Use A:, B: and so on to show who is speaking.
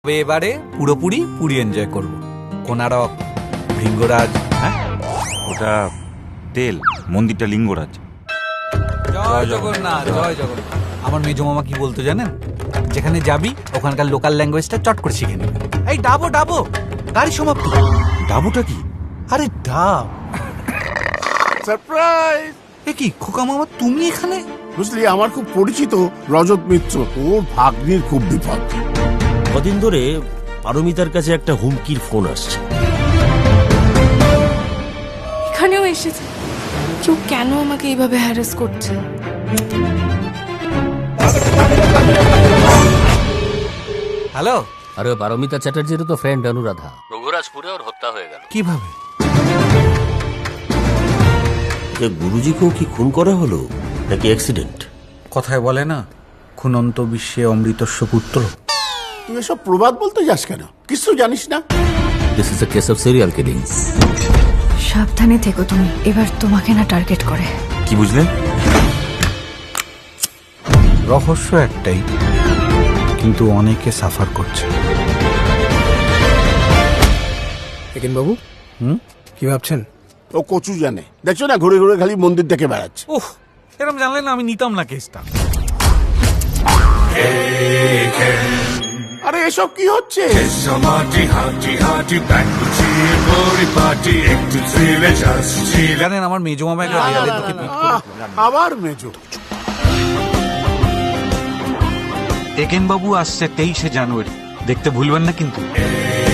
A: তবে এবারে পুরোপুরি পুরি এনজয় করব। কোনারক, লিঙ্গরাজ।
B: হ্যাঁ, ওটা তেল, মন্দিরটা লিঙ্গরাজ।
A: জয় জগন্নাথ, জয় জগন্নাথ। আমার মেজো মামা কি বলতো জানেন? যেখানে যাবি ওখানকার লোকাল ল্যাঙ্গুয়েজটা চট করে শিখে নিবি। এই ডাবো ডাবো, গাড়ি সমাপ্ত।
B: ডাবুটা কি?
A: আরে ডাব।
C: সারপ্রাইজ!
A: এ কি খোকা মামা, তুমি এখানে?
C: বুঝলি, আমার খুব পরিচিত রজত মিত্র, ওর ভাগ্নির খুব বিপদ।
D: কদিন ধরে পারমিতার কাছে একটা হুমকির ফোন আসছে।
E: এখানেও এসেছে। কেউ কেন আমাকে এইভাবে হ্যারাস করছে?
A: হ্যালো,
F: আরে পারমিতা চ্যাটার্জির তো ফ্রেন্ড অনুরাধা, রঘুরাজপুরে ওর হত্যা হয়ে গেল।
A: কিভাবে?
D: যে গুরুজিকেও কি খুন করা হলো নাকি অ্যাক্সিডেন্ট?
A: কথায় বলে না, খুনন্ত বিশ্বে অমৃতস্ব পুত্র।
C: তুই এসব প্রবাদ বলতে যাস কেন? কিছু জানিস না?
F: This is a case of serial killing.
G: সাবধানে থেকো তুমি, এবার তোমাকে না টার্গেট করে।
B: কি বুঝলে?
A: রহস্য একটাই, কিন্তু অনেকে সাফার করছে।
H: একেন বাবু, কি ভাবছেন?
C: ও কচু জানে। দেখছো না, ঘুরে ঘুরে খালি মন্দির দেখে বেড়াচ্ছে।
A: ওহ, এরকম জানলে না আমি নিতাম না কেসটা।
C: আরে এসব কি হচ্ছে?
A: জানেন আমার মেজো মামা একটা দেয়ালের দিকে পিঠ করে।
C: আবার মেজো।
B: একেন বাবু আসছে 23শে জানুয়ারি, দেখতে ভুলবেন না কিন্তু।